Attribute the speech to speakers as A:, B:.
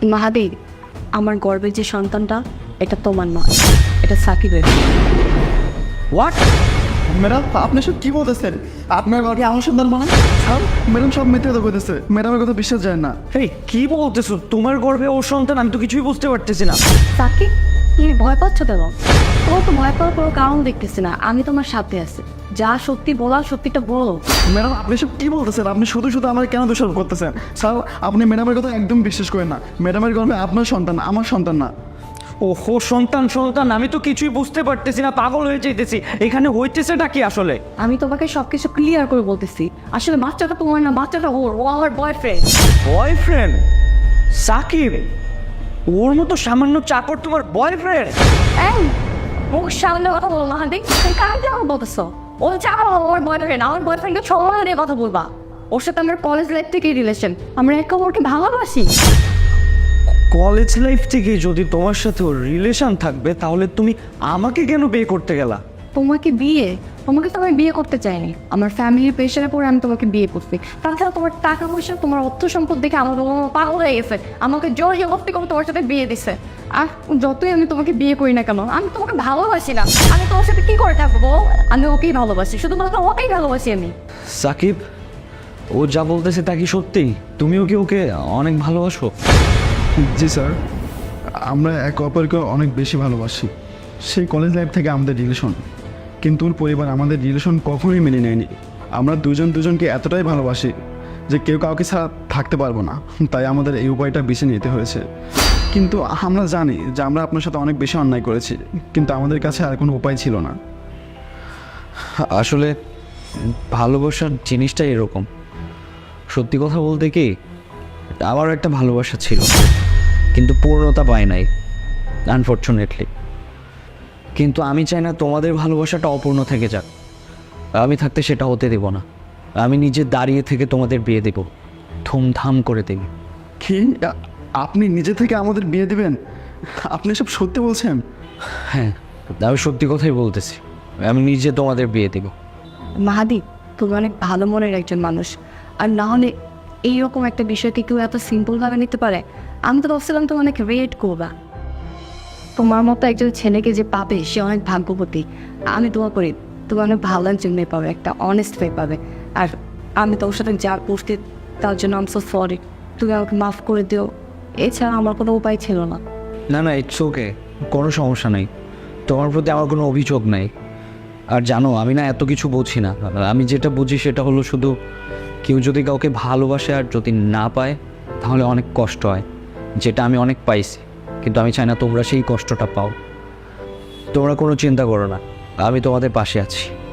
A: মাহাদি, আমার গর্বের যে সন্তানটা এটা তোমার নয়, এটা সাকিবের।
B: হোয়াট?
C: ম্যাডাম আপনি সব কি বলতেছেন? আপনার ঘরে আমার সন্তান মানে? স্যার ম্যাডাম সব মিথ্যে কথা বলতেছে, ম্যাডামের কথা বিশ্বাস যায় না।
B: এই কি বলতেছো? তোমার গর্ভে ওর সন্তান? আমি তো কিছুই বুঝতে পারতেছি না।
A: সাকিব, তুমি ভয় পাচ্ছ কেন? তোমার তো ভয় পাওয়ার কোনো কারণ দেখতেছি না। আমি তোমার সাথে আছি, যা সত্যি বলার সত্যিটা বলো।
C: ম্যাডাম আপনি সব কি বলতেছেন? আপনি শুধু শুধু আমার কেন দোষারোপ করতেছেন? স্যার আপনি ম্যাডামের কথা একদম বিশ্বাস করেন না। ম্যাডামের গর্ভে আপনার সন্তান, আমার সন্তান না।
B: ওহো, সন্তান সন্তান, আমি তো কিছুই বুঝতে পারতেছি না, পাগল হয়ে যাইতেছি। এখানে হইতেছেটা কি আসলে?
A: আমি তোমাকে সবকিছু ক্লিয়ার করে বলতেছি। আসলে বাচ্চাটা তোমার না, বাচ্চাটা ওর, ও আমার বয়ফ্রেন্ড।
B: বয়ফ্রেন্ড? সাকিব, ওর মতো সামান্য চাকর তোমার বয়ফ্রেন্ড?
A: এই মুখ সামনে কথা বলো মাহাদি, তুমি কার যাও বলতেছো? ও চাও আমার বয়ফ্রেন্ড, আমার বয়ফ্রেন্ডকে সম্মান দিয়ে কথা বলবা। ওর সাথে আমার কলেজ লাইফ থেকেই রিলেশন, আমরা একে অপরকে ভালোবাসি।
B: কলেজ লাইফ থেকে যদি তোমার সাথে ওর রিলেশন থাকবে, তাহলে তুমি আমাকে কেন বিয়ে করতে গেলা?
A: তোমাকে বিয়ে? তোমাকে তো আমি বিয়ে করতে চাইনি, আমার ফ্যামিলির প্রেশারে পড়ে আমি তোমাকে বিয়ে করছি। তাছাড়া তোমার টাকা পয়সা, তোমার অর্থ সম্পদ দেখে আমার বাবা মা পাগল হয়ে গেছে, আমাকে জোর জবরদস্তি করে তোমার সাথে বিয়ে দিছে। আর যতই আমি তোমাকে বিয়ে করি না কেন, আমি তোমাকে ভালোবাসি না। আমি তোমার সাথে কি করে থাকবো? আমি ওকেই ভালোবাসি, শুধুমাত্র ওকেই ভালোবাসি আমি।
B: সাকিব, ও যা বলতেছে তা কি সত্যি? তুমিও কি ওকে অনেক ভালোবাসো?
C: জি স্যার, আমরা একে অপরকে অনেক বেশি ভালোবাসি। সেই কলেজ লাইফ থেকে আমাদের রিলেশন, কিন্তু ওর পরিবার আমাদের রিলেশন কখনোই মেনে নেয়নি। আমরা দুজনকে এতটাই ভালোবাসি যে কেউ কাউকে ছাড়া থাকতে পারবো না, তাই আমাদের এই উপায়টা বেছে নিতে হয়েছে। কিন্তু আমরা জানি যে আমরা আপনার সাথে অনেক বেশি অন্যায় করেছি, কিন্তু আমাদের কাছে আর কোনো উপায় ছিল না।
B: আসলে ভালোবাসার জিনিসটা এরকম। সত্যি কথা বলতে কি, আমারও একটা ভালোবাসা ছিল, কিন্তু পূর্ণতা পায় নাই, আনফর্চুনেটলি। কিন্তু আমি চাই না তোমাদের ভালোবাসাটা অপূর্ণ থেকে যাক। আমি থাকতে সেটা হতে দেব না। আমি নিজে দাঁড়িয়ে থেকে তোমাদের বিয়ে দেব, ধুমধাম করে দেব।
C: কি আপনি নিজে থেকে আমাদের বিয়ে দেবেন? আপনি সব সত্যি বলছেন?
B: হ্যাঁ, আমি সত্যি কথাই বলতেছি। আমি নিজে তোমাদের বিয়ে দেব।
A: মাহাদি, তুমি অনেক ভালো মনের একজন মানুষ, আর না হলে এইরকম একটা বিষয়কে কেউ এত সিম্পলভাবে নিতে পারে? আমি তো ভাবছিলাম তুমি অনেক রেট করবা। তোমার মতো একজন ছেলেকে যে পাবে সে অনেক ভাগ্যবতী। আমি দোয়া করি তুমি অনেক ভালো একজন মেয়ে পাবে, একটা অনেস্ট মেয়ে পাবে। আর আমি তোর সাথে যা করতে, তার জন্য আমি সো সরি। তুমি আমাকে মাফ করে দিও, এছাড়া আমার কোনো উপায় ছিল না।
B: না না, ইটস ওকে, কোনো সমস্যা নেই। তোমার প্রতি আমার কোনো অভিযোগ নাই। আর জানো, আমি না এত কিছু বুঝি না। আমি যেটা বুঝি সেটা হলো শুধু কেউ যদি কাউকে ভালোবাসে আর যদি না পায়, তাহলে অনেক কষ্ট হয়, যেটা আমি অনেক পাইছি। কিন্তু আমি চাই না তোমরা সেই কষ্টটা পাও। তোমরা কোনো চিন্তা করো না, আমি তোমাদের পাশে আছি।